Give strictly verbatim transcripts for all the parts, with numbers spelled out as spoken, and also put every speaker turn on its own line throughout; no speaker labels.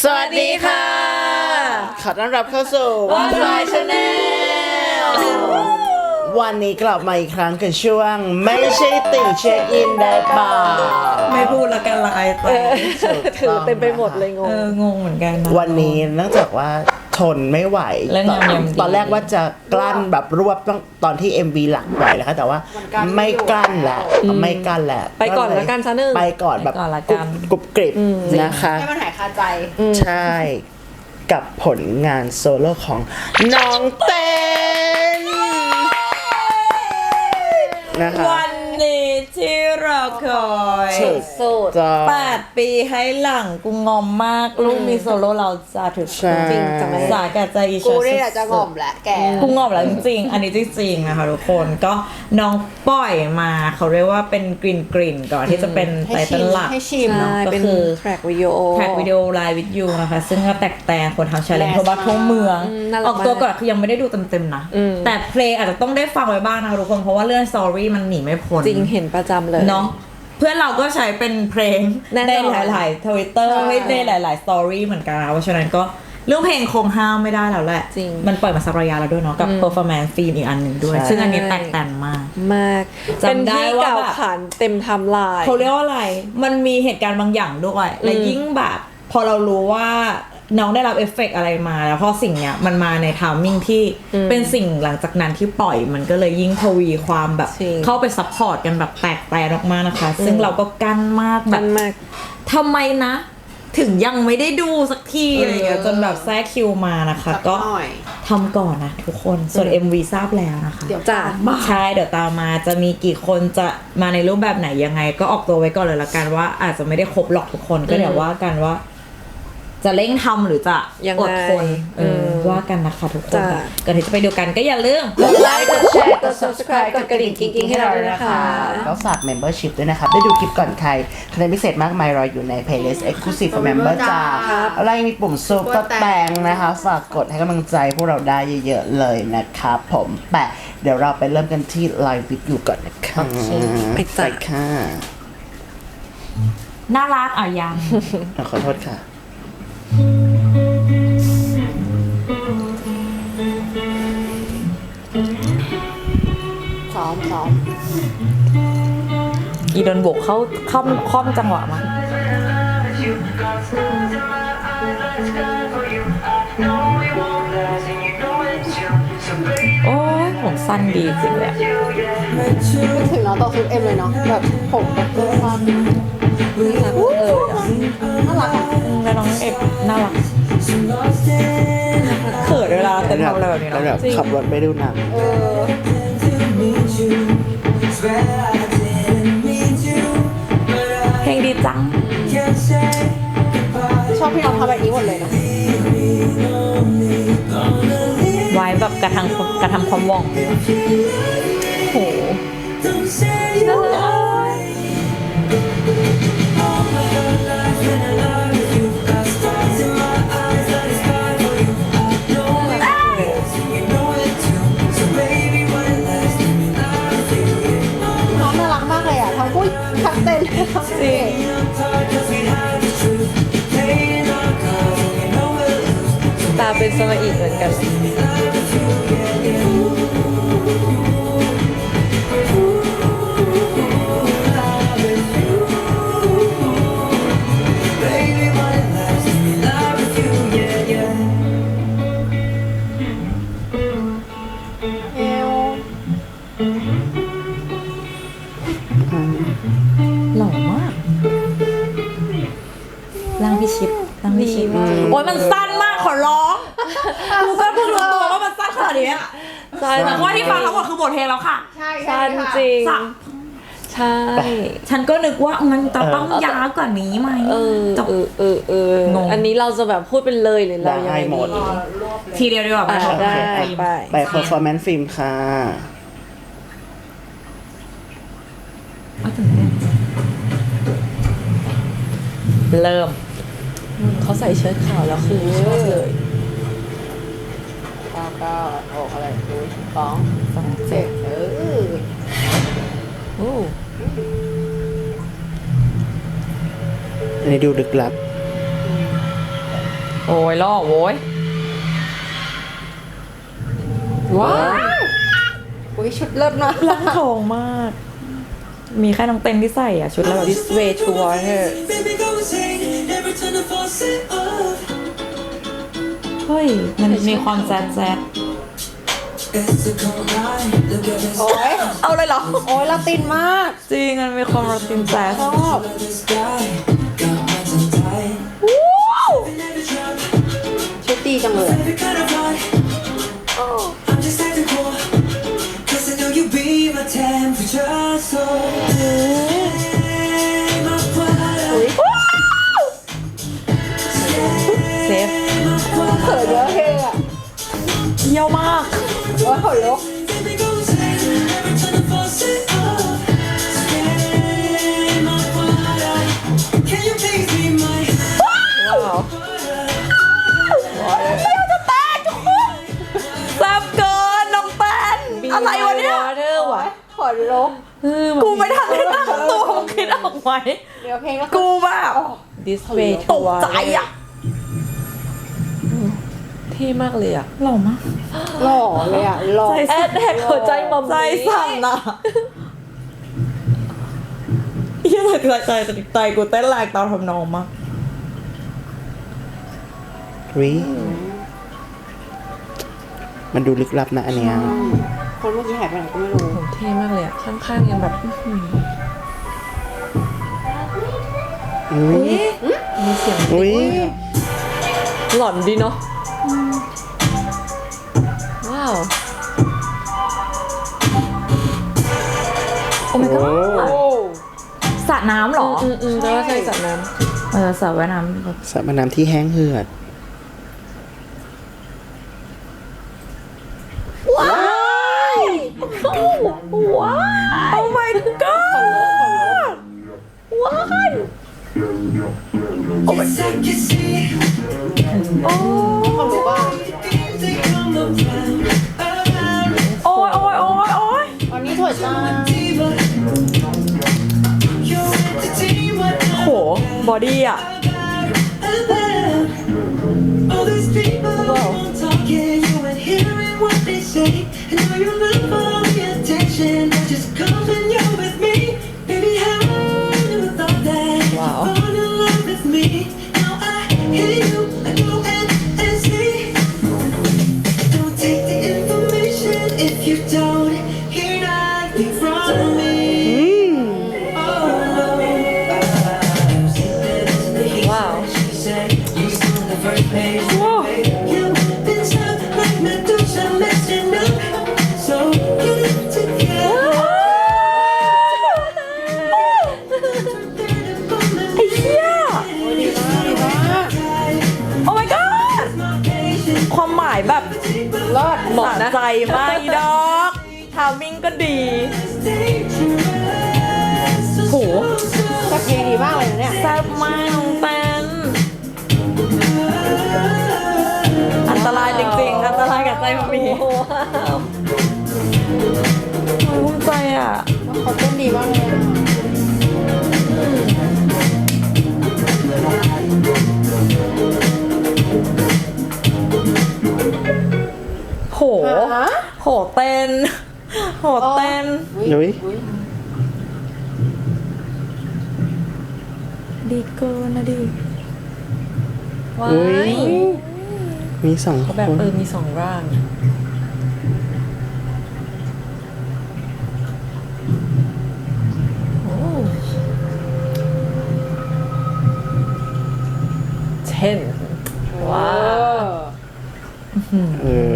สวัสดีค่ะขอต้อนรับเข้าสู่
One Boy Channel
วันนี้กลับมาอีกครั้งกับช่วงไม่ใช่ติ่งเช็คอินได้เปล่า
ไม่พูดละกันละอายไป
ถือเต็มไปหมดเลยงง
เอองงเหมือนกันนะ
วันนี้เนื่องจากว่าทนไม่ไหว
เรื่อง
ตอน
ยำๆดี
ตอนแรกว่าจะกลั้นแบบรวบต้องตอนที่ เอ็ม วี หลักปล่อยนะคะแต่ว่าไม่กลั้นแหละไม่กลั้นแหละ
ไปก่อนละกันซะหนึ่ง
ไปก่อนแบบ
ไปก่อนละ
ก
กั
รุบ
น
กรุบกริบนะคะ
ให้มันหายคาใจ
ใช่กับผลงานโซโล่ของน้องเต้นนะคะ
วันนี้ที่เราคอย
สุด
สุด
จะ
แปดปีให้หลังกูงอมมากลูกมีโซโล่เราจะถึง
ใช่
จริงจังเลย
สาแก่ใจอี
กู
ชา
นี่แหละจะงอมแหละแก
กูงอมแล้วจริงๆอันนี้จริงๆนะคะทุกคนก็น้องปล่อยมาเขาเรียกว่าเป็นกลิ่นกลิ่นก่อนที่จะเป็น
ให้
ไต
ชิ
เติ้
ม
ลหลัก
ให้ชิม
เนาะ
ใช่
ก็
เป็น
คือ
แทร็กวิดีโอ
แท็กวิดีโอไลฟ์วิดยูนะคะซึ่งก็แตกแต่คนทำชาเลนจ์
Blast
ทั่วบ้านทั่วเมือง
อืมน่ารัก
ออกตัว
มาก
ก่อนคือยังไม่ได้ดูเต็มๆนะ
อืม
แต่เพลงอาจจะต้องได้ฟังไว้บ้างนะคะทุกคนเพราะว่าเรื่องสตอรี่มันหนีไม่พ้น
จริงเห็นประจำเลย
เนาะเพื่อนเราก็ใช้เป็นเพลง
แน่นอน
ในหลายๆทวิตเตอร์
ใช่
ในหลายๆสตอรี่เหมือนกันนะเพราะฉะนั้นก็เรื่องเพลงคงห้ามไม่ได้แล้วแหละ
จริง
มันปล่อยมาสักระยะแล้วด้วยเนาะกับ performance ฟิล์มอีกอันหนึ่งด้วย
ใช่
ซึ่งอันนี้แตกต่างมาก
มาก
จำ
เป็น
ได้
ที่
ว่า
เก่า
แบบ
ขานเต็มไทำลาย
เขาเรียกว่าอะไร มันมีเหตุการณ์บางอย่างด้วยและ
อืม
ยิ่งแบบพอเรารู้ว่าน้องได้รับเอฟเฟกต์อะไรมาแล้วพอสิ่งเนี้ยมันมาในทามมิ่งที่เป็นสิ่งหลังจากนั้นที่ปล่อยมันก็เลยยิ่งทวีความแบบ
จริง
เข้าไปซัพพอร์ตกันแบบแตกแตนออกมานะคะ ซึ่งเราก็กั้นมากแบ
มั
บ
นมาก
ทำไมนะ ถึงยังไม่ได้ดูสักทีอะไรเงี้ยจนแบบแทรกคิวมานะคะ
สัก
ก็
หน่อย
ทำก่อนนะทุกคนส่วน เอ็ม วี ทราบแล้วนะคะ
เดี๋ยว
จ้ะ
ตามมา
ใช่เดี๋ยวตามมาจะมีกี่คนจะมาในรูปแบบไหนยังไง ก็ออกตัวไว้ก่อนเลยละกันว่าอาจจะไม่ได้ครบหรอกทุกคนก็เดี๋ยวว่ากันว่า จะเร่งทำหรือจะ
ยังไง
อดทนเอออ
ม
ว่ากันนะคะทุกคน
จ้ะ
ก่อนที่จะไปดูกันก็อย่าลืม
กดไลค์กดแชร์กด subscribe กดกระดิ่งกิ๊งๆให้เราด้วยนะคะ
ก็ฝาก membership ด้วยนะครับ ได้ดูคลิปก่อนใครคะแนนพิเศษมากมายรออยู่ใน playlist exclusive for member จ้า
ครับ
อะไรมีปุ่มซุปเปอร์แตงนะคะ ฝากกดให้กำลังใจพวกเราได้เยอะๆเลยนะครับผมแปะเดี๋ยวเราไปเริ่มกันที่ live video ก่อนนะคะ
ไปจ้ะ
ค่ะ
น่ารักอ่ะยัง
อ่ะขอโทษค่ะ
ซ้อมซ้อม
อีโดนโบกเข้าค่อมค่อมจังหวะมาโอ้ยผมสั้นดีจริงเลยอะ
นึกถึงน้องตกซุปเอ็มเลยเนาะแบบผมแบบเพื่อนความ
เออ
น่ารักอ่ะ
แล้วน้องเอกน่ารักเขินเวลาเต้นทำอะไรแบบนี้
แล้วแบ
เนาะ
บขับรถไปดูหนัง
เออ
เพลงดีจัง
ชอบพี่น้องทำแบบนี้หมดเลยเนาะ
ไว้แบบกระทำกระทำความหว่องโหน่ารัก
น้องน่ารักมากเลยอ่ะทั้งพูดทั้งเต้นทั้งเพลง
ตาเป็นสมาอีกเหมือนกัน
เอว
หล่อมากร่างพี่ชิปร่างพี่ชิป
ดีมาก
โอ้ยมันสั้นมากขอร้องกูก็เพิ่งรู้ตัวว่ามันสั้นขนาดนี้อะ
ใช่
แต่ว่าที่ฟังทั้งหมดคือบทเพลงแล้วค่ะ
ใช่
สั้น
ค่ะ
จริง
สัก
ใช่
ฉันก็นึกว่ามันจะต้องยาวกว่านี้ไหม
เออ
จบ
เออเออเออง
ง
อันนี้เราจะแบบพูดเป็นเลยหรือเรายังไง
ได้หมด
ดี
รวบเลย
ทีเดียวดีกว่า
อ่ะ
เพราะ
ได้
เพลง
ไป
ไป performance film ค่ะ
เอาถึงเต้นเริ่ม
เขาใส่เชิ้ตขาวแล้วคือชอบเลย
เก้าเก้าหกอะไรดูสอง
สอง
เจ็
เจ็
ด
ด
เออ
โอ้
อันนี้ดูลึกลับ
โอ้ยล่อโว้ย
ว้าวอุ้ยชุดเลิศมาก
ร่างทองมาก มีแค่น้องเต็นที่ใส่อ่ะ ชุดแล้วแบบ
This way to water
เฮ้ย มันมีความแซดแซด
โอ้ย
เอาเลยเหรอ
โอ้ยลาตินมาก
จริง มันมีความโรตินแซด
ชอบชุดดีจังเลย อุ้ย
เซฟ
เขินเยอะเพลงอ่ะ
เยี่ยวมาก
โอ้ยขนลุก
ว้าว
แซ่บเกินน้องแป้นอะไรวะเนี่ย
water ว่ะ
ขนลุก
กูไม่ทันได้ตั้งตัวมึงคิดออกไหม
เดี๋ยวเพลงก็
กูแบบ
This way
ต
to
กใจ
water
อ่ะ
เท่มากเลยอ่ะ
หล่อมาก
หล่อเลยอ่ะหล่อ
แอดแท็กหัวใจมัม
ใจ
มี่
สั่นอ่ะเฮียใจใจใจใจกูเต้นแรงตามทำนองมาก
วิมันดูลึกลับนะอันเนี้ย
คนเมื่อกี้หายไปไหนก็ไม่รู้
โหเท่มากเลยอ่ะ ข้างๆยังแบบอื้อหือ
อุ้ย
มีเสียง
อุ้ย
หลอนดีเนาะว้าว
โอ้ my god สระน้ำเหรอ
อืมอืมแต่ว่าใช่จัดน้
เออสระว่ายน้ำแบบ
สระว่ายน้ำที่แห้งเหือด
ว้ายว้าย oh my god ว้ายโอ้ my
คนรู้ป่ะ
โอ้ยโอ้ยโอ้ยโอ้ย
วันนี้สวยจัง
โหบอดี้อ่ะ
All these people won't talking, you ain't hearing what they say. I know you love all the attention, but just come when you're with me. Baby, how never thought that you'd fall in love with me. Now I hear you, I go and, and see. Don't take the information if you don't hear nothing from me. Oh no.
Wow.
She said, you saw the first page. You've been stuck like Medusa, messing up. So get it together.
ไอ้เหี้ย
ดีมากดีมาก
โอ้ my god ความหมายแบบ
เลิศ
เหมาะใจมากอีดอกทามิ่งก็ดี โห
แต่เพลงดีมากเลยนะเนี่ย
แซ่บมากน้องแป้นอันตรายจริงๆ อันตรายกับใจมันมีโอ้ยภูมิใจอ่ะ
เขาเต้นดีมากเลยอะ
โห
ฮะ
โหเต้น โหเต้น
อุ้ย
ดีเกินนะดิ
ว้า
อุ้ย
ย
มีสองค
เขาแบบ
น
เออมีสองร่าง โอ้เช่นว้าว
เออ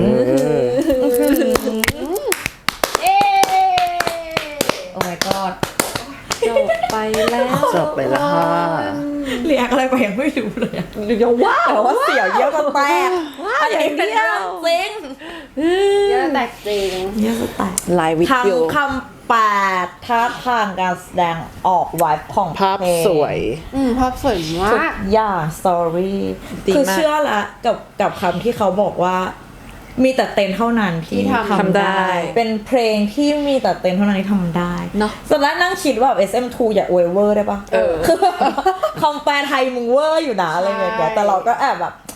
เอ๊
โอ้ my god
จบไปแล้ว
จบไปแล้วค่ะ
เรียกอะไรไปยังไม่รู้เลยอะเดี๋ยวว้าวแต่ว่าเสียวเยอะกันแตกอันนี้เป็นเรื่องจริง
เยอะแตกจริง
เยอะจะแตก
ไลน์วิด
ทั้ง
วิว
คำแปดท่าทางการแสดงออกไวบ์ของ
ภาพ
เพลง
สวย
อืมภาพสวย
ทุ
มาก ก
อย่างสตอรี่
ดี
คือ
มาก
เชื่อละกับกับคำที่เขาบอกว่า มีแต่เต็นเท่านั้นที่
ที่ทำ
ทำได้
เป็นเพลงที่มีแต่เต็นเท่านั้นที่ทำได้
เนอะ
ส่วนแรกนั่งคิดว่า เอส เอ็ม ทู อย่าอวยเวอร์ได้ปะ
เออ
คือแบบคำแปลไทยมึงเวอร์อยู่นะอะไรอย่างเงี้ยแต่เราก็แอบแบบ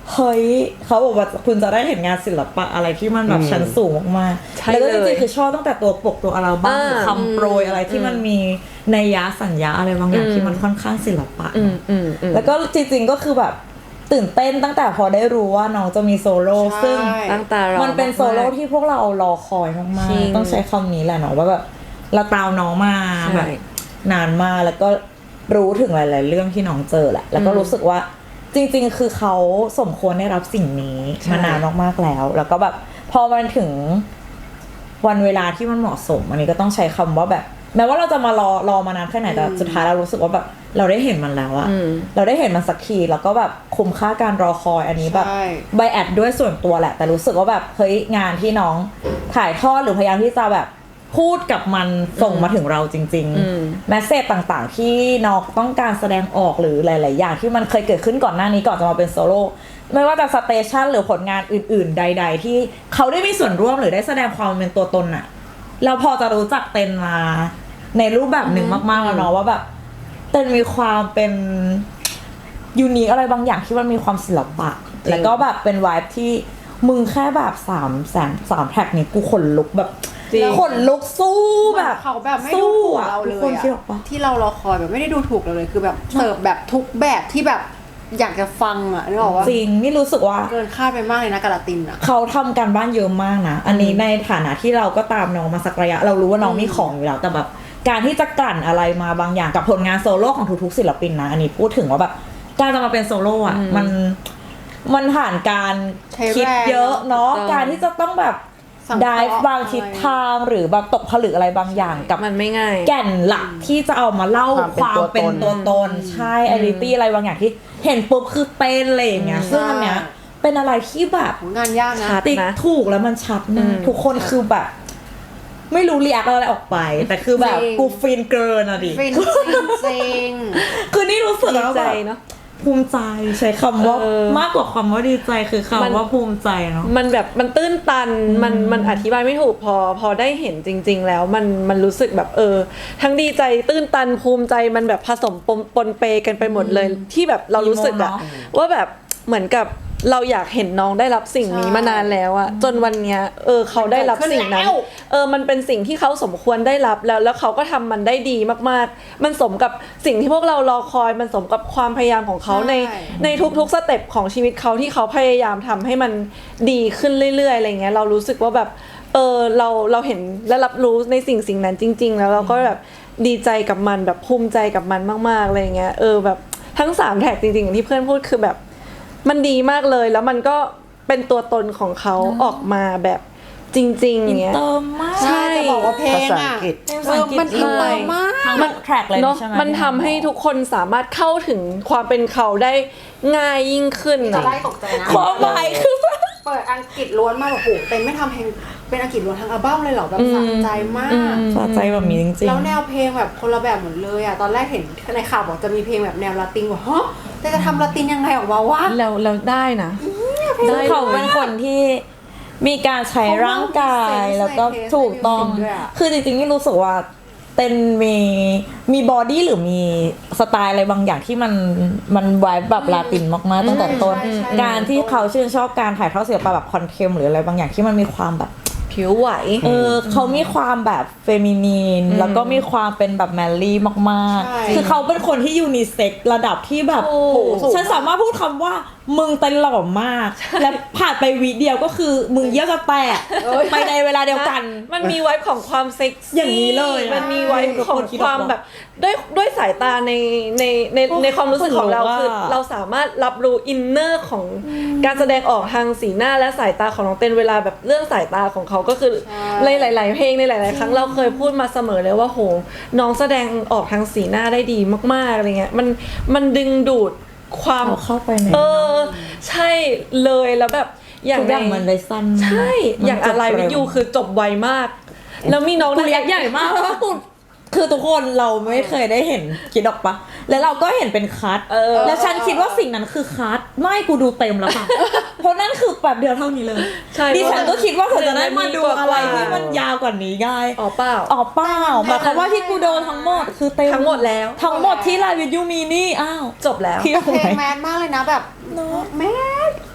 เฮ้ยเขาบอกว่าคุณจะได้เห็นงานศิลปะอะไรที่มันแบบชั้นสูงมาก
ใช่
ๆแล้วก็จ
เลย
ริงๆคือชอบตั้งแต่ตัวปกตัวอัลบั้ม
อ่า
หรือคำโปรยอะไรที่มันมีนัยยะสัญญาอะไรบางอย่าง
อืม
ที่มันค่อนข้างศิลปะ
อืมอืมอืม
แล้วก็จริงๆก็คือแบบตื่นเต้นตั้งแต่พอได้รู้ว่าน้องจะมีโซโล่
ใช่
ซึ่ง
ตั้งตารอ
มันเป็นโซโล่
มากๆ
ที่พวกเรารอคอยมาก
จริง
ๆต้องใช้คำนี้แหละเนาะว่าแบบเราตามน้องมา
ใช่
แบบนานมากแล้วก็รู้ถึงหลาย ๆ เรื่องที่น้องเจอแหละแล้วก็
อืม
รู้สึกว่าจริง ๆ คือเขาสมควรได้รับสิ่งนี้
ใช่
มานานมากๆแล้ว แล้วก็แบบพอมันถึงวันเวลาที่มันเหมาะสม อันนี้ก็ต้องใช้คำว่าแบบแม้ว่าเราจะมารอรอมานานแค่ไหนแต่สุดท้ายเรารู้สึกว่าแบบเราได้เห็นมันแล้วอะ
อืม
เราได้เห็นมันสักทีแล้วก็แบบคุ้มค่าการรอคอยอันนี้แบบ
ใช่
ใบแอดด้วยส่วนตัวแหละ แต่รู้สึกว่าแบบเฮ้ยงานที่น้องถ่ายทอดหรือพยายามที่จะแบบพูดกับมันส่งมาถึงเราจริง
อืม
ๆแมสเซจต่างๆ ที่น้องต้องการแสดงออกหรือหลาย ๆ อย่างที่มันเคยเกิดขึ้นก่อนหน้านี้ก่อนจะมาเป็นโซโล่ไม่ว่าจะสเตชันหรือผลงานอื่น ๆ ใด ๆ ที่เขาได้มีส่วนร่วมหรือได้แสดงความเป็นตัวตนอะเราพอจะรู้จักเต็นมาในรูปแบบหนึ่งมากๆแล้วเนาะว่าแบบเต็นมีความเป็นยูนิคอะไรบางอย่างที่มันมีความศิลปะ แล้วก็แบบเป็นวายที่มึงแค่แบบสามแสนสามแท็กนี้กูขนลุกแบบ
จริง
ขนลุกสู้แบบ
เขาแบบไม่ดูถูกเราเล
ทุกคน
ย
คิดอ
อะ
อกปะ
ที่เรารอคอยแบบไม่ได้ดูถูกเราเลยคือแบบเสิร์ฟแบบทุกแบบที่แบบอยากจะฟังอะนึกออกว่า
จริงนี่รู้สึกว่า
เกินคาดไปมากเลยนะกาลาตินอะ
เขาทำการบ้านเยอะมากนะ อันนี้ในฐานะที่เราก็ตามน้องมาสักระยะ เรารู้ว่าน้องมีของอยู่แล้ว แต่แบบการที่จะกลั่นอะไรมาบางอย่างกับผลงานโซโล่ของทุกๆศิลปินนะ อันนี้พูดถึงว่าแบบการจะมาเป็นโซโล่อะมันมันผ่านการ
ใช้
คิด
แรง
เยอะเนาะ
ถูกต้อง
การที่จะต้องแบบ
สังเคราะห์
ได้บางทิศทางหรือแบบตกผลึกอะไรบางอย่างกับ
มันไม่ง่าย
แก่นหลักที่จะเอามาเล่าความ ม
คาวเป็
เป็น น
ตั
ตัว ว
ต
ต
น
นใช่ไอริตี้อะไรบางอย่างที่เห็นปุ๊บคือเป็นอะไรอย่างเงี้ยซึ่งอันเนี้ยเป็นอะไรที่แบบ
โหงานยากนะ
ชัด
ติ๊ก
นะ
ถูกแล้วมันชัด
อื
มาก
ม
ทุกคนคือแบบ ไม่รู้เรียกอะไรออกไป แต่คือแบบ
จริง
กูฟินเกินอ่ะดิ
ฟินจริงจริง
คือนี่รู้สึก
ดี
แล้ว
ใจ
แบบ
เนาะ
ภูมิใจใช้คำว่า
เออ
มากกว่าคำว่าดีใจคือ
มัน
คำว่าภูมิใจเนาะ
มันแบบมันตื้นตันมันมันอธิบายไม่ถูกพอพอได้เห็นจริง ๆ แล้วมันมันรู้สึกแบบเออ ทั้งดีใจตื้นตันภูมิใจมันแบบผสมปนปนเปกันไปหมดเลย ที่แบบเรารู้สึกอะ
อีโมเนอะ
ว่าแบบเหมือนกับเราอยากเห็นน้องได้รับสิ่งนี้
ใช่
มานานแล้วอะจนวันเนี้ยเออเขาได้รับสิ่งนั้น
มันเกิดขึ้นแล้ว
เออมันเป็นสิ่งที่เขาสมควรได้รับแล้วแล้วเขาก็ทำมันได้ดีมากๆ มันสมกับสิ่งที่พวกเรารอคอยมันสมกับความพยายามของเขาใน
ใช่
ในทุกๆสเต็ปของชีวิตเขาที่เขาพยายามทำให้มันดีขึ้นเรื่อยๆอะไรเงี้ยเรารู้สึกว่าแบบเออเราเราเห็นและรับรู้ในสิ่งสิ่งนั้นจริง ๆ แล้วเราก็แบบดีใจกับมันแบบภูมิใจกับมันมากๆอะไรเงี้ยเออแบบทั้งสามแท็กจริงๆอย่างที่เพื่อนพูดคือแบบมันดีมากเลยแล้วมันก็เป็นตัวตนของเขาออกมาแบบจริงๆอย่างเงี้ย
เติมมาก
ใช่
จะบอกว่าเพลง
ภาษาอั
อะ
งกฤษ
เออมันอินเตอร์มาก
ทั้งหมดแทร็กเลย
เนาะ
ใช่ไหม
มันทำให้ทุกคนสามารถเข้าถึงความเป็นเขาได้ง่ายยิ่งขึ้น
จะ
อะ
ไล่ตกใจนะ
ความหมายคือ
เปิดอังกฤษล้วนมากแบบโหเต็มไม่ทำเพลงเป็นอังกฤษล้วนทั้งอัลบั้มเลยเหรอแบบสะใจมาก
สะใจแบบนี้จริงๆ
แล้วแนวเพลงแบบคนละแบบหมดเลยอ่ะตอนแรกเห็นในข่าวบอกจะมีเพลงแบบแนวละตินว่าฮะแต่จะทำละตินยังไงออกมาวะ
เราเราได้นะ
ซึ่งเขาเป็นคนที่มีการใช้ร่างกายแล้วก็ถูกต้อง คือจริงๆนี่รู้สึกว่าเต้นมีมีบอดี้หรือมีสไตล์อะไรบางอย่างที่มันมันไวบ์แบบลาตินมากๆตั้งแต่ต้น
ใช่ใช่
การที่เขาชื่นชอบการถ่ายทอดศิลปะแบบคอนเทมหรืออะไรบางอย่างที่มันมีความแบบ
ผิวไหว
เออเขามีความแบบเฟมินีนแล้วก็มีความเป็นแบบแมนลี่มาก
ใช่
ๆ คือเขาเป็นคนที่ยูนิเซ็กซ์ระดับที่แบบ
ถูก
โอ้ฉันสามารถพูดคำว่ามึงเต้นหล่อมาก และผ่านไปวิเดียวก็คือมึงเยี่ยวจะแตกไปในเวลาเดียวกัน
มันมีไว้ของความเซ็กซี่
อย่างนี้เลยอะ
มันมีไว้ของ
ทุกคนคิด
ความ
ออก
แบบด้วยด้วยสายตาในในในในความรู้สึกของเรา
ขนลุกอะ
คือเราสามารถรับรู้อินเนอร์ของการแสดงออกทางสีหน้าและสายตาของน้องเต้นเวลาแบบเรื่องสายตาของเขาก็คือในหลาย ๆ เพลงในหลาย ๆ ครั้งเราเคยพูดมาเสมอเลยว่าโหน้องแสดงออกทางสีหน้าได้ดีมาก ๆ อะไรเงี้ยมันมันดึงดูดความ
เอาเข้าไปใน
เออใช่เลยแล้วแบบอย่าง
ทุกอย่าง
ใน
มันเลยสั้นมาก
ใช่
มัน
อย่างอะไร
จบ
วิ
เร็
ยูคือจบไวมาก แล้วมีน้อง
กูเรียกใหญ่มากเพราะว่ากูคือทุกคนเราไม่เคยได้เห็นคิดออกปะแล้วเราก็เห็นเป็นคัท
เออ
แล้วฉันคิดว่าสิ่งนั้นคือคัทไม่กูดูเต็มแล้วค่ะเพราะนั่นคือแบบเดียวเท่านี้เลย
ใช่
ดิฉันก็คิดว่าเธอจะได้มาดู
หนึ่งนาทีกว่า
อะไรที่มันยาวกว่านี้ได้
อ๋อเปล่า
อ๋อเปล่าหมายความว่าที่กูโดนทั้งหมดคือเต็ม
ทั้งหมดแล้ว
ทั้งหมดที่ไลน์วิดยูมีนี่อ้าว
จบแล้ว
คิดว่า
เพล
ไง
งแมนมากเลยนะแบบแมนไป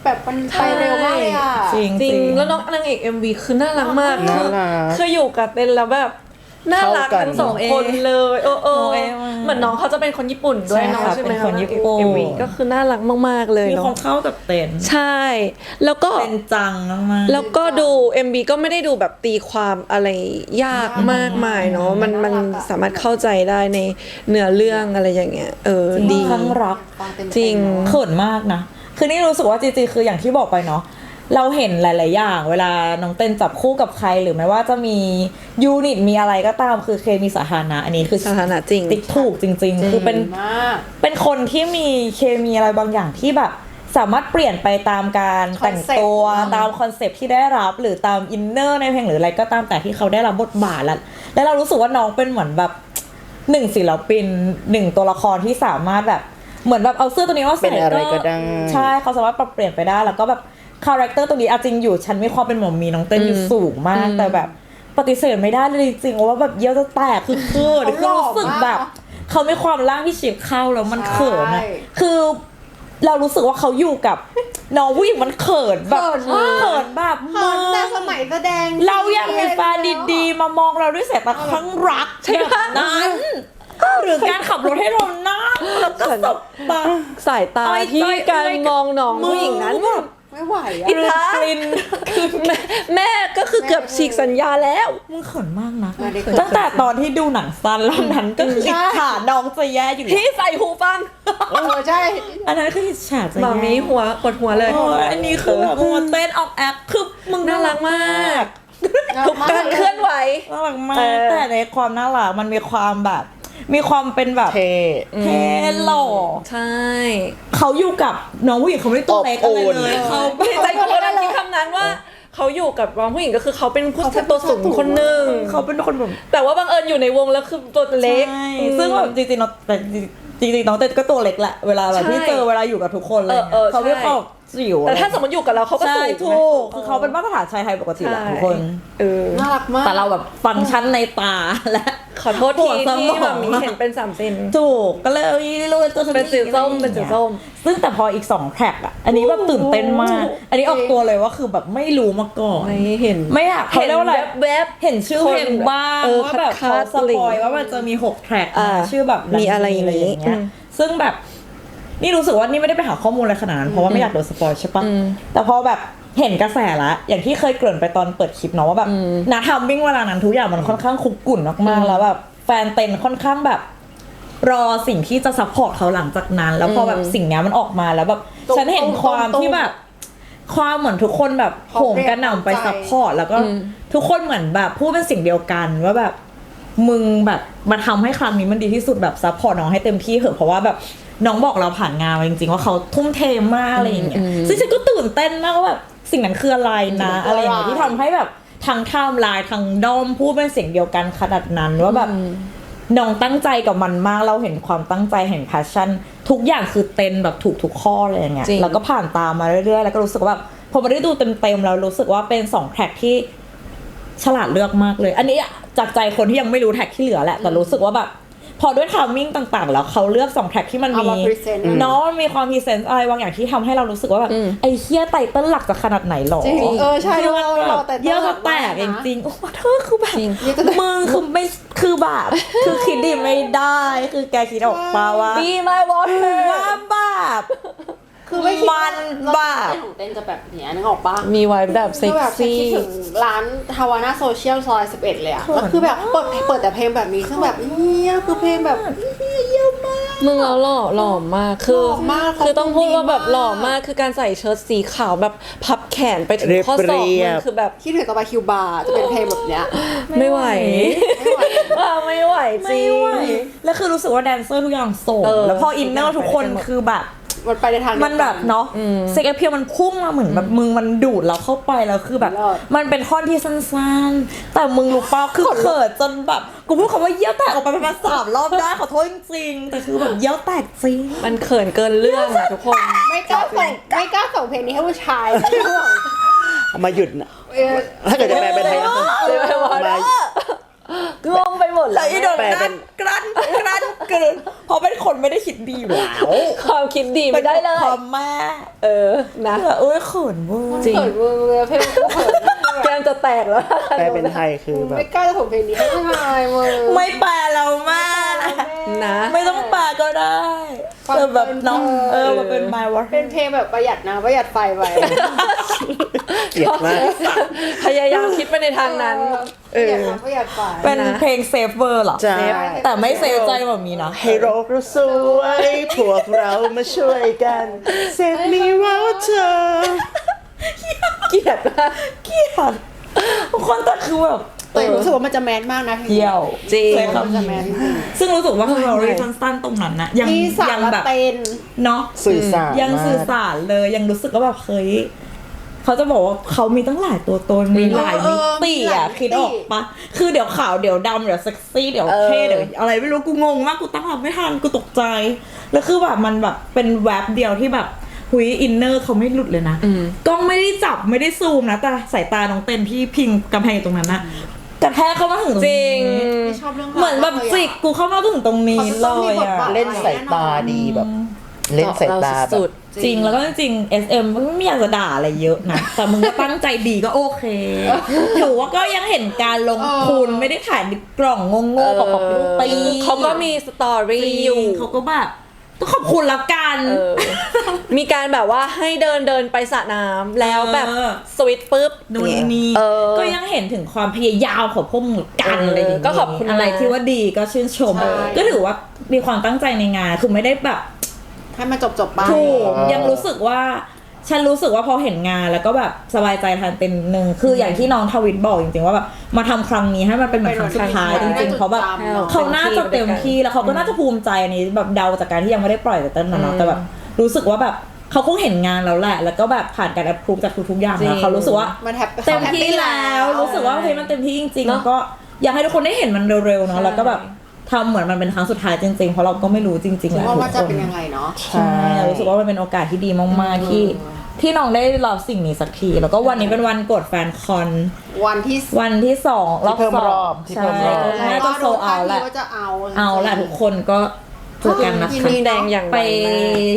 แบบมันไปเร็วมากเลยอ่ะ
จริง
จริง
ๆ
แล้วน้องนางเอก เอ็ม วี คือน่ารักมาก
น่ารัก
คืออยู่กับเต้นแล้วแบบน่ารัก
เข้ากัน
ทั้งสองคนเลยเออเออ
โอเอมาก
เหมือนน้องเขาจะเป็นคนญี่ปุ่นด้วย
ใช่
เน้อง
ค่ะ
ใช่ไหม
เป็นคนญี่ปุ่น
เอ็ม วี ก็คือน่ารักมากๆเลย
มี
เนาะ
ความเข้ากับเต้น
ใช่ แล้วก็
เป็นจังมากๆ
แล้วก็ดู เอ็ม วี ก็ไม่ได้ดูแบบตีความอะไรยากมากมายเนาะมันมันสามารถเข้าใจได้ในเนื้อเรื่องอะไรอย่างเงี้ยเออ
จริง
ดี
ข้างรัก
ฟังเต็มๆ
จริง
เขินมากนะ คือนี่รู้สึกว่าจริงๆ คืออย่างที่บอกไปเนาะ เราเห็นหลายๆ อย่าง เวลาน้องเต้นจับคู่กับใครหรือแม้ว่าจะมียูนิตมีอะไรก็ตามคือเคมีสาธารณะอันนี้คือ
สถานะจริง
ติ๊กถูกจริง ๆ คือเป็น
มาก
เป็นคนที่มีเคมีอะไรบางอย่างที่แบบสามารถเปลี่ยนไปตามการแต่งตัว
Concept
ตามคอนเซปต์ที่ได้รับหรือตามอินเนอร์ในเพลงหรืออะไรก็ตามแต่ที่เขาได้รับบทบาทแล้วแล้วเรารู้สึกว่าน้องเป็นเหมือนแบบหนึ่งศิลปินหนึ่งตัวละครที่สามารถแบบเหมือนแบบเอาเสื้อตัวนี้ว่าใส่
เป็นอะไรก็ได้
ใช่เขาสามารถปรับเปลี่ยนไปได้แล้วก็แบบคาแรคเตอร์ตัวนี้เอาจริงอยู่ฉันมีความเป็นหมอมีน้องเต้นอยู่สูงมากแต่แบบปฏิเสธไม่ได้เลยจริงๆว่าแบบเยี่ยวจะแตกคือเขิน
เขา
คือ
หล่อ
รู้สึกแบบ
มาก
เขาไม่ความร่างที่ฉีบเข้าแล้วมัน
ใช่
เขินอะคือเรารู้สึกว่าเขาอยู่กับน้องผู้หญิงมันเขินแบบ
เขินมาก
เขินแบบ
เขินแต่สมัยแสดง
เราอยากมีแฟนดีๆ มามองเราด้วยสายตาครั้งรักใช่ไหมนั้นหรือการขับรถให้เรานั่งแล้วก็สบตา
สายตา
อ้อย
ที่
จ้อย
การ
เอ้ย
มองน้องผู้หญิงนั้นแบบ
ไม่ไหวอ่ะ
อินทา
กลิ่น
แม่แม่ก็คือเกือบฉีกสัญญาแล้ว
มึงเขินมากนะ
ไม่ได้เขิน
ตั้งแต่ตอนที่ดูหนังสั้นแล้วนั้นก็คืออิจฉาน้องจะแย่อยู่
ที่ใส่หูฟัง
เออใช่
อันนั้นคืออิจฉาจะ
หมา
แย่
มีหัวกดหัวเลย
โอ้ยอันนี้คือแบบมัวเต้นออกแอคคือมึง
น่ารักมาก ทุก
ม
การเคลื่อนไหว
น่ารักมา
เอก อ
แต่ในความน่ารักมันมีความแบบ มีความเป็นแบบ
เท่
เท่หล่อ
ใช่
เขาอยู่กับน้องผู้หญิงเขาไม่ได้ตัวเล็กอะไรเลย
อบอุ่น
เขา
ใจคนกำลังคิดคำนั้นว่า เขาอยู่กับน้องผู้หญิงก็คือเขาเป็นผู้ชายตัวสูงคนหนึ่ง
เขาเป็นคนแบบ
แต่ว่าบังเอิญอยู่ในวงแล้วคือตัวเล็ก
ใช่
อืม
ซึ่งแบบจริงๆน้องแต่จริงๆน้องเต้นก็ตัวเล็กแหละเวลาแบบ
ใช่
ที่เจอเวลาอยู่กับทุกคนเลย
เออเออ
เขาไม่
ใช่
เข้าจิ๋ว
แต่ถ้าสมมติอยู่กับเราเขาก็
ใช่
สูง
ถูกคือเขาเป็นมาตรฐานชายไทยปกติแหละทุกคน
เออ
น่ารักมาก
แต่เราแบบฟังก์ชันในตาและ
ขอโทษ
ป
ที
วดสม
ที่
อง
แบบมีเห็นเป็นสามเซน
ถูกก็เลยรู้ตัวฉั
เป็นสีส้ม
อะไรอย่างงี้ย
เป็นสีส้ม
ซึ่งแต่พออีกสองแทร็กอ่ะอันนี้แบบตื่นเต้นมาก อันนี้ออกตัวเลยว่าคือแบบไม่รู้มาก่อน
ไม่เห็น
ไม่อยากเขาเรียกว่าอะไร
แวบ
เห็นชื่อเพลงบ้าง
เออ
ว่าแบบ
คั
เขา
ด
ส
ๆ
ปอยว่ามันจะมีหกแทร็ก
อ่า
ชื่อแบบ
มีอะไรอย่างนี้
นี้
อืม
ซึ่งแบบนี่รู้สึกว่านี่ไม่ได้ไปหาข้อมูลอะไรขนาดนั้นเพราะว่าไม่อยากโดนสปอยใช่ปะ
อืม
แต่พอแบบเห็นกระแสละอย่างที่เคยเกริ่นไปตอนเปิดคลิปเนาะว่าแบบนาทำวิ่งเวลานั้นทุกอย่างมันค่อนข้างคุกกุ่นมากๆแล้วแบบแฟนเต็นค่อนข้างแบบ รอสิ่งที่จะซัพพอร์ตเขาหลังจากนั้น แล้วพอแบบสิ่งเนี้ยมันออกมาแล้วแบบฉันเห็นความที่แบบ ความเหมือนทุกคนแบบโหมกระหน่ำไปซัพพอร์ตแล้วก็ทุกคนเหมือนแบบพูดเป็นสิ่งเดียวกันว่าแบบมึงแบบมาทำให้ครั้งนี้มันดีที่สุดแบบซัพพอร์ตน้องให้เต็มที่เถอะเพราะว่าแบบน้องบอกเราผ่านงานมาจริงๆว่าเขาทุ่มเทมากอะไรอย่างเงี้ยซึ่งฉันก็ตื่นเต้นมากว่าแบบสิ่งนั้นคืออะไรนะอะไรอย่างเงี้ยที่ทำให้แบบทางไทม์ไลน์ทางด้อมพูดเป็นเสียงเดียวกันขนาดนั้นว่าแบบน้องตั้งใจกับมันมากเราเห็นความตั้งใจเห็น passion ทุกอย่างคือเต็มแบบถูกทุกข้อเลยอย่างเงี้ย
จริง
แล้วก็ผ่านตามมาเรื่อยๆแล้วก็รู้สึกว่าแบบพอมาได้ดูเต็มๆแล้วรู้สึกว่าเป็นสองแทร็กที่ฉลาดเลือกมากเลย อันนี้จากใจคนที่ยังไม่รู้แทร็กที่เหลือแหละแต่รู้สึกว่าแบบพอด้วยทามมิ่งต่างๆแล้วเขาเลือกสองแทร็กที่มัน
เอา
มี
มา present
เนาะมันมีความพรีเซนต์อะไรบางอย่างที่ทำให้เรารู้สึกว่าแบบไอ้เฮียไตเติ้ลหลักจะขนาดไหนหรอ
จริงเออใช่
คือมัน
เรา
แบ
เรา
บ
แต่
เยี่ยวจะแตกจริงๆโอ้เธอคือแบบมึงคือไม่คือแบบคือคิดดีไม่ได้คือแกคิดออกมาว่า
Be my water
ว่าแบบ
คือไม่คิดว่า
มัน
รถ
บ้า
เต้นของเต้นจะแบบเนี้ยนึกออกปะ
มีไว้แบบเซ็
คื
ก
อแบบฉัน
ซี่
คิดถึงร้านฮาวาน่าโซเชียลซอยสิบเอ็ดเลยอะแล้วคือแบบเปิดเปิดแต่เพลงแบบนี้ซึ่งแบบเฮียคือเพลงแบบเฮียเยี่ยมมาก
มึงเราหล่อหล่อมากคือ
หล่อมาก
คือต้องพูดว่าแบบ
เขาดีมาก
หล่อมากคือการใส่เชิ้ตสีขาวแบบพับแขนไปถึงข้อศอก
เรี
มึ
ย
ง
บ
คือแบบ
คิดถึงต่อไปคิวบาร์จะเป็นเพลงแบบเนี้ย
ไม่ไหว
ไม่ไหว
อ่ะไม่ไหวจริ
ไม่
ง
ไหวแล้วคือรู้สึกว่าแดนเซอร์ทุกอย่างส่ง
เออ
แล้วพออินเนอร์ทุกคน
ไปกันหมด
คือแบบ
มันไปในทางเดียวกั
มันแบบเนาะเซ็กแอเพียมันพุ่งมาเหมือนแบบมึงมันดูดเราเข้าไปแล้วคือแบบ
เลิศ
มันเป็นท่อนที่สั้นๆ แต่มึงรู้ป่ะคือเขินจนแบบกูพูดคำว่าเยี่ยวแตกออกไปประมาณสามรอบได้ขอโทษจริงๆแต่คือแบบเยี่ยวแตกจริง
มันเขินเกินเรื่องอะทุกคน
ไม่กล้าส่งไม่กล้าส่งเพลงนี้ให้ผู้ชายไม่ห่วง
เอามาหยุดนะ
เออ
ถ้าเกิดจะแปลเป็นไทยก็คือ
เออ
มา
งงไปหมดเลยอีโดน
แปลเป็น
กลั้นกลั้นกลืนเพราะเป็นคนไม่ได้คิดดีอยู่แล้ว
ความคิดดีไม่ได้เลย
ความแม่
เออนะ
เอ้ยเขินเว้ย
จริง
เขินเวอร์เพลงกูเขิน
แก้มจะแตกแล้ว
แปลเป็นไทยคือแบบ
ไม่กล้าจะส่งเพลงนี้ให้ผู้ชายมึง
ไม่แปลเราแม่
นะ
ไม่ต้องแปลก็ได้
ฟัง
เออแบบน้อง
เพลิน
เออมันเป็น my water
เป็นเพลงแบบประหยัดนะประหยัดไฟไป
เกลียดมาก
พยายามคิดไปในทางนั้น
ประหยัดน้ำประหยัดไฟ
เป็น
นะ
เพลงเซฟเวอร์เหรอ
ใช่
แต่ไม่เซฟใจแบบนี้นะ
ให้โลกเราสวยพวกเรามาช่วยกันเซฟมีว่าเธอ
เกลียดมาก
เกลียดทุกคนแต่คือแบบ
แต่รู้สึกว่ามันจะแมสมากนะเพลง
เยี่ยว
จริง
ใช้
มัน
คำ
จะ
นี้
แมสจริง
ซึ่งรู้สึกว่า
ใช่
สตอรี่สั้นๆตรงนั้นนะยัง
มีสา
ยั
ร
แบบ
เต้น
เนาะ
สื่อสาร
ยังสื่อสารเลยยังรู้สึกว่าแบบเฮ้ยเขาจะบอกว่าเขามีตั้งหลายตัวตนมีหลายมิติอ่ะคิดออกปะคือเดี๋ยวขาวเดี๋ยวดำเดี๋ยวเซ็กซี่เดี๋ยวเท่เดี๋ยวอะไรไม่รู้กูงงมากกูตั้งรับไม่ทันกูตกใจแล้วคือแบบมันแบบเป็นแวบเดียวที่แบบหุยอินเนอร์เขาไม่หลุดเลยนะกล้องไม่ได้จับไม่ได้ซูมนะแต่สายตาน้องเต้นที่พิงกำแพงอยู่ตรงนั้นนะกระแทกเข้ามาถึงตรง
จริง
นี้
ไม่ชอบเรื่องราว
เหมือนแบบจิกกูเข้ามาถึงตรงนี้เลยอ่ะ
เล่นสายตาดีแบบ เล่นสายตาแบ
สุ
บ
ด
จริงแล้วก็จริงๆ เอส เอ็ม ไม่อยากจะด่าอะไรเยอะนะ แต่มึงก็ตั้งใจดีก็โอเคถือว่าก็ยังเห็นการลงทุนไม่ได้ถ่ายในกล่องโง่ๆกับกับปี
เขาก็มีสตอรี่อยู่
เขาก็แบบต้องขอบคุณละกัน
เออ มีการแบบว่าให้เดินเดินไปสระน้ำแล้วแบบ
เออ
สวิตช์ปุ๊บ
นู่นนี่
เออ
ก็ยังเห็นถึงความพยายามของพวกมึงกัน
เอออ
อะไรอย่างเงี้ย
ก็ขอบคุณ
อะไร
นะ
ที่ว่าดีก็ชื่นชม ก็ถือว่ามีความตั้งใจในงานคือไม่ได้แบบ
ให้มันจบจบๆไป
ถูก
เออ
ยังรู้สึกว่าฉันรู้สึกว่าพอเห็นงานแล้วก็แบบสบายใจทันเป็นหนึ่งคืออย่างที่น้องทวิตบอกจริงๆว่าแบบมาทำครั้งนี้ให้มันเป็นเหมือนครั้งสุดท้ายจริงๆเพราะแบบ เขาน่าจะเต็มที่แล้วเขาก็น่าจะภูมิใจในแบบเดาจากการที่ยังไม่ได้ปล่อยแต่ต้นนะเนาะแต่แบบรู้สึกว่าแบบเขาคงเห็นงานแล้วแหละ แล้วก็แบบผ่านการแอปพรูฟจากทุกๆอย่าง
จริ
แล้ว
ง
เขารู้สึกว่า
มันแฮป
เต็มที่แล้วรู้สึกว่าเฮ้ยมันเต็มที่จริงๆ
เนอะ
แล้วก็อยากให้ทุกคนได้เห็นมันเร็วๆเนาะแล้วก็แบบทำเหมือนมันเป็นครั้งสุดท้ายจริงๆเพราะเราก็ไม่รู้จริงๆแหละ
ว่า
ทุ
มัน
ก
จะ
คน
เป็นยังไงเนาะ
ใช่รู้สึกว่ามันเป็นโอกาสที่ดีมากๆที่ที่น้องได้รับสิ่งนี้สักทีแล้วก็วันนี้เป็นวันกดแฟนคอน
วันที่
วันที่สองรอบ
ที่เพิ่ม
สอง
รอบที่เพิ่
ใช่
มรอบ
น่าจะโซเอาแหละ
ว่าจะเอา
เอาแหละทุกคนก็เจอกันนะ
ยิ
คะ
ดี
แดงอย่าง
ไป
ไวมาก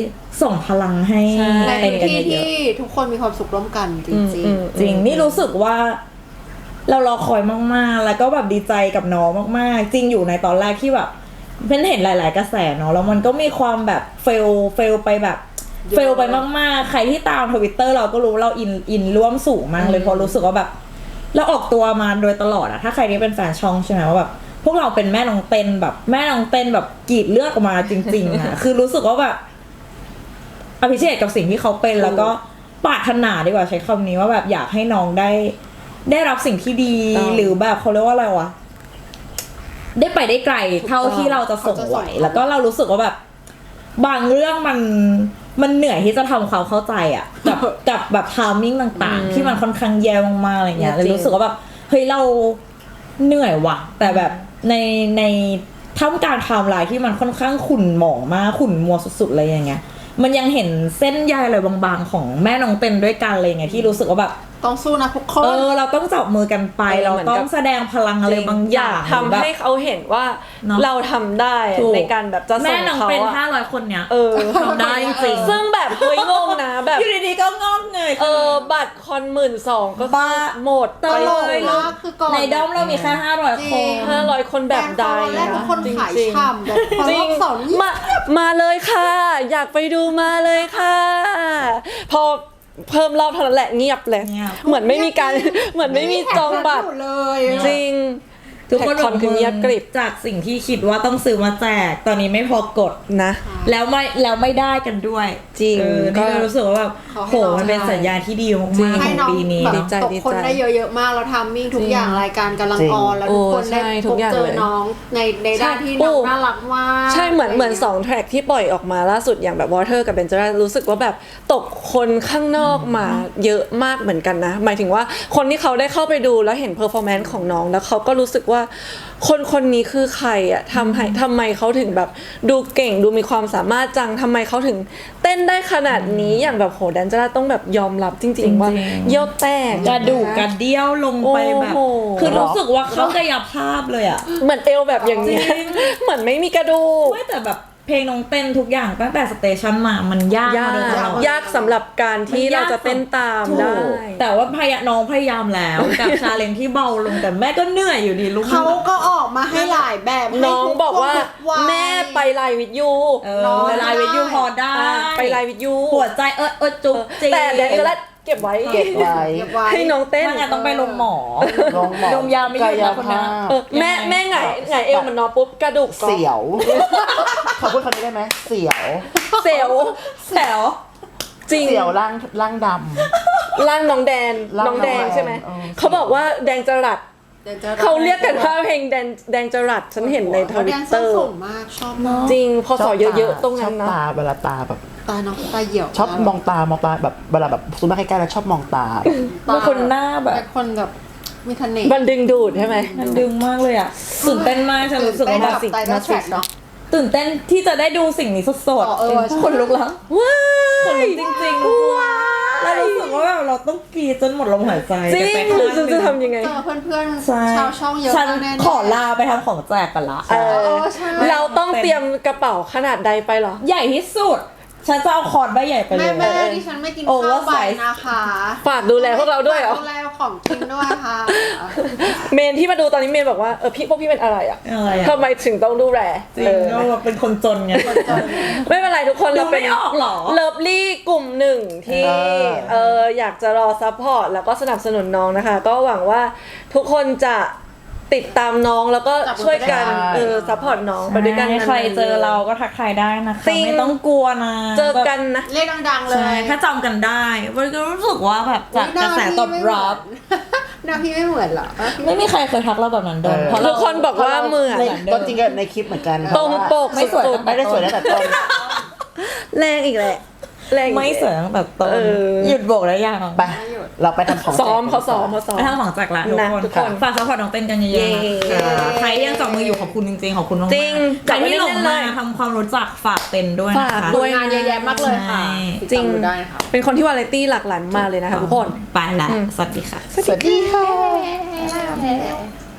ส่งพลังให้
ใช่
ใน
เป็นกัน
ที่
เยอะ
ที่ทุกคนมีความสุขร่วมกันจ
อืม
ริง
อืม
ๆจริงนี่รู้สึกว่า เรารอคอยมากๆ แล้วก็แบบดีใจกับน้องมากๆ จริงอยู่ในตอนแรกที่แบบเพิ่นเห็นหลาย ๆ กระแสเนาะแล้วมันก็มีความแบบเฟลเฟลไปแบบเฟลไปมากๆ ใครที่ตามทวิตเตอร์เราก็รู้เราอินอินร่วมสูงมากเลยเพราะรู้สึกว่าแบบ เราออกตัวมาโดยตลอดอะถ้าใครที่เป็นแฟนช่องใช่ไหมว่าแบบพวกเราเป็นแม่น้องเต้นแบบแม่น้องเต้นแบบกรีดเลือดออกมาจริงๆอะ คือรู้สึกว่าแบบอภิเชษกับสิ่งที่เขาเป็นแล้วก็ปรารถนาดีกว่าใช้คำนี้ว่าแบบอยากให้น้องได้ ได้รับสิ่งที่ดี
ต้อง
หรือแบบเขาเรียกว่าอะไรวะได้ไปได้ไกลเท่าที่เราจะส่งไหวแล้วก็เรารู้สึกว่าแบบ บางเรื่องมันมันเหนื่อยที่จะทำความเข้าใจอ่ะ กับ กับแบบทามมิ่งต่างๆ ที่มันค่อนข้างแย่มากๆอะไรเงี้ยเลยรู้สึกว่าแบบเฮ้ยเราเหนื่อยว่ะ แต่แบบในในท่ามกลางไทม์ไลน์ที่มันค่อนข้างขุ่นหมองมากขุ่นมัวสุดๆอะไรอย่างเงี้ย มันยังเห็นเส้นใยอะไรบางๆของแม่น้องเต็นด้วยกันอะไรเงี้ยที่รู้สึกว่าแบบ
ๆ ต้องสู้นะทุกค
เอน อเราต้องจับมือกันไป
เออ
เรา
เหมือน
ต้อ
กั
ง
บ
แสดงพลังอะไรบางอย่าง
ทำให้เขาเห็นว่า
เนอะ
เราทำได้อะ
ถูก
ในการแบบจะส่
แม่
ง
น้อง
เขา
เป็น
อะ
ห้าร้อยคนเนี้ย
เออ
ทำได้จริงๆ
ซึ่งแบบเฮ้ยงงนะแบบ
อยู่ดีๆก็งอกเงย
เออบัตรคอนหมื่นสองก็
บ้า
หมด
ต
ไป
ลก
เลย
มากคือก่อน
ในด้อมเรามีแค่ห้าร้อยคน
ห้าร้อยคนแบบใด
แฟนเขาวันแรกทุกคน
จริง
ขาย
จริง
ฉ่ำแบบพอ
จริ
รง อบสองนี่
มามาเลยค่ะ อยากไปดูมาเลยค่ะ พอเพิ่มรอบเท่านั้นแหละเงียบเลย
เงียบ
เหมือนไม่มีการ เหมือนไม่มีจองบัตร
อยู่เลย
จริง
ทุกคน
แท็กคอนคือเงียบกริบ
จากสิ่งที่คิดว่าต้องซื้อมาแจก ตอนนี้ไม่พอกด
นะ
แล้วไม่แล้วไม่ได้กันด้วย
จริง
เออ
ก็
นี่ก็รู้สึกว่าแบบโหมันเป็นสัญญาณที่ดีมากๆข
ให้
อง
น้อง
ปีนี้
แบบ
ดีใจ
ตก
ดี
คน
ใจ
ได้เยอะๆมากแล้วทามมิ่งทุกอย่างรายการกำลัง
จริง
ออนแล้วทุกคน
โอ้
ได้
ใช่
พ
ทุก
บ
อย่าง
เจอ
เลย
น้องในในด้านที่
ใช่
น้อง
โอ้
น่ารักมาก
ใช่เหมือนเหมือนสองแทร็กที่ปล่อยออกมาล่าสุดอย่างแบบ Water กับ Benjara รู้สึกว่าแบบตกคนข้างนอกมาเยอะมากเหมือนกันนะ หมายถึงว่าคนที่เขาได้เข้าไปดูแล้วเห็นเพอร์ฟอร์แมนซ์ของน้องแล้วเขาก็รู้สึกว่าว่าคนคนนี้คือใครอะทำให้ทำไมเขาถึงแบบดูเก่งดูมีความสามารถจังทำไมเขาถึงเต้นได้ขนาดนี้อย่างแบบโหแดนเจอร์ต้องแบบยอมรับจริง ๆ ว่าเยี่ยวแตก
กระดูกกระเดี่ยวลงไปแบบ
โอ้โห
คือรู้สึกว่าเขากายภาพเลยอ่ะ
เหมือนเอวแบบอย่างเนี้ย
จริง
เหมือนไม่มีกระดูก
ไม่แต่แบบเพลงน้องเต้นทุกอย่างตั้งแต่สเตชันมามันยาก
ยาม
าก โดยตลอด
ยากสำหรับการที่เราจะเต้นตาม
ถูก
ได้
แต่ว่าพยาน้องพยายามแล้ว กับชาเลนจ์ที่เบาลงแต่แม่ก็เหนื่อยอยู่ดีลูก
เขาก็ออกมาให้หลายแบบ
น้องบอกว่า
ให้ทุกวัย
แม่ไปไลน์วิดยู
เออเวลาวิทยุพอได้
ไปไลน์วิดยู
ปวดใจเออเออจุกจริง
แต่แดนเจอร์เก็บไว้
เก็บไว้
เก็บไว้
ให้น้องเต้น
ถ้างั้นต้องไปลงหมอ
ลงหมอ
ดมยาไม่หยุดนะคนนั้น
กายภาพ
เออแม่แม่ไงไงเอวมันนอนปุ๊บกระดูกก็
เสียว ขอพูดคำนี้ได้ไหมเสียว
เสียว
แถว
จริง
เสียวร่างร่างด
ร่างน้องแดน
ร่าง
น้องแดง
น้องแดง
ใช่ไหม
เออ
เขาบอกว่าแดงจรัส
เดี๋ยวจะ
เขาเรียกกันว่าเพลงแดงแดงจรัสฉันเห็นในทวิตเตอร์
สูงมากชอบมาก
จริงพอ
ำ
สอเยอะๆตรงนั้น
ช
นะ
อบตาเวลาตาแบบ
ตาน้องตาเหี่ยว
ชอบมองตามองตาแบบเวลาแบบซูมมาใกล้ๆแล้วชอบมองตา
เป็นคนหน้าแบบ
เป็นคนแบบมีทะเนศ
มันดึงดูดใช่ไหม
มันดึงมากเลยอ่ะตื่นเต้นมากฉันรู้สึกว่า
แบ
แบบ บ
ไตเติ้ลแทร็กเนาะ
ตื่นเต้นที่จะได้ดูสิ่งนี้สด
อ๋อเออใช่
คนลุกแล้ว
ว้า
คน
ย
ลุกจริงๆทุกคนแล้วรู้สึกว่าแบบเราต้องกรีดจนหมดลมหายใจ
จริง
กันไป
หรือ
ข้างห
จะ
นึ่ง
ทำยังไง
เจอเพื่อน
ใช่
ๆชาวช่องเยอะ
ฉัน
มากแน่ๆ
ขอลาไปทำของแจกกันละ
เอ
เอ
อ
อใช่
เราต้องเตรียมกระเป๋าขนาดใดไปเหรอ
ใหญ่ที่สุด ฉันจะเอาคอร์ดใบใหญ่ไปเล
แม่
ย
แม่ดิฉันไม่กิน
โอ้
ข้าว
ว่า
ใบ
ใส่
นะคะ
ฝากดูแลพวกเราด้วยเหรอ
ดูแลของกินด้วยค่ะ
เมนที่มาดูตอนนี้เมนบอกว่าเออพี่พวกพี่เป็นอะไรอ่ะ
อะไรอะ
ทำไมถึงต้องดูแล
จริง
เออ
เราเป็นคนจนไง
ไม่เป็นไรทุกคน
ดู
เราเป็น
ไม่ออกเหรอ
เลิฟลี่กลุ่มหนึ่งที่
เออ
เอออยากจะรอซัพพอร์ตแล้วก็สนับสนุนน้องนะคะ ก็หวังว่าทุกคนจะติดตามน้องแล้วก็ช่วยกันเออซัพพอร์ตน้องไปด้วยกัน
ใครเจอเราก็ทักทายได้นะคะ
จริง
ไม่ต้องกลัวนะ
เจอกันนะ
เรียกดังๆเล
ใช่
ย
ถ้าจำกันได้มันก็รู้สึกว่าแบบจากกระแสตอบรับ
หน้าพี่ไม่เหมือนเหรอ
ไม่มีใครเคยทักเราแบบนั้นโดน
เออ
เพราะ
ทุ
เรา
กคนบอกว่าเหมือน
ในต้นจริงก็ในคลิปเหมือนกัน
ตรงปก
ไม่สวย
สุด
ไม่ได้สวยตั้งแต่ต้น
ๆแรงอีกแหละแรงอีก
ไม่สวยตั้งแต่ต้น
เออ
หยุดโบกแล้วยัง
ไป เราไปทำของแจก
ซ้อมเขาซ้อมเขาซ้อม
ไปทางของแจกละทุก
นะ
คน
ทุกคน
ฝากซัพพอร์ตน้องเต้นกันเยอะๆ
เย้
นะคะใครที่ยังจับมืออยู่ขอบคุณจริงๆขอบคุณมากๆ
จริง
ใครที่หลง
จับไว้เล่
มาน
ๆเลย
ทำความรู้จักฝากเต้นด้วยนะ
ฝาก
คะ
ด้วย
งานเยอะแยะมากเลยค่ะ
ใช่
จริง
ติดตามดูได้ค่ะ
เป็นคนที่วาไรตี้หลากหลายมากเลยนะคะทุกคน
ไปละ
อืม
สวัสดีค่ะ
สวัสดีค่ะ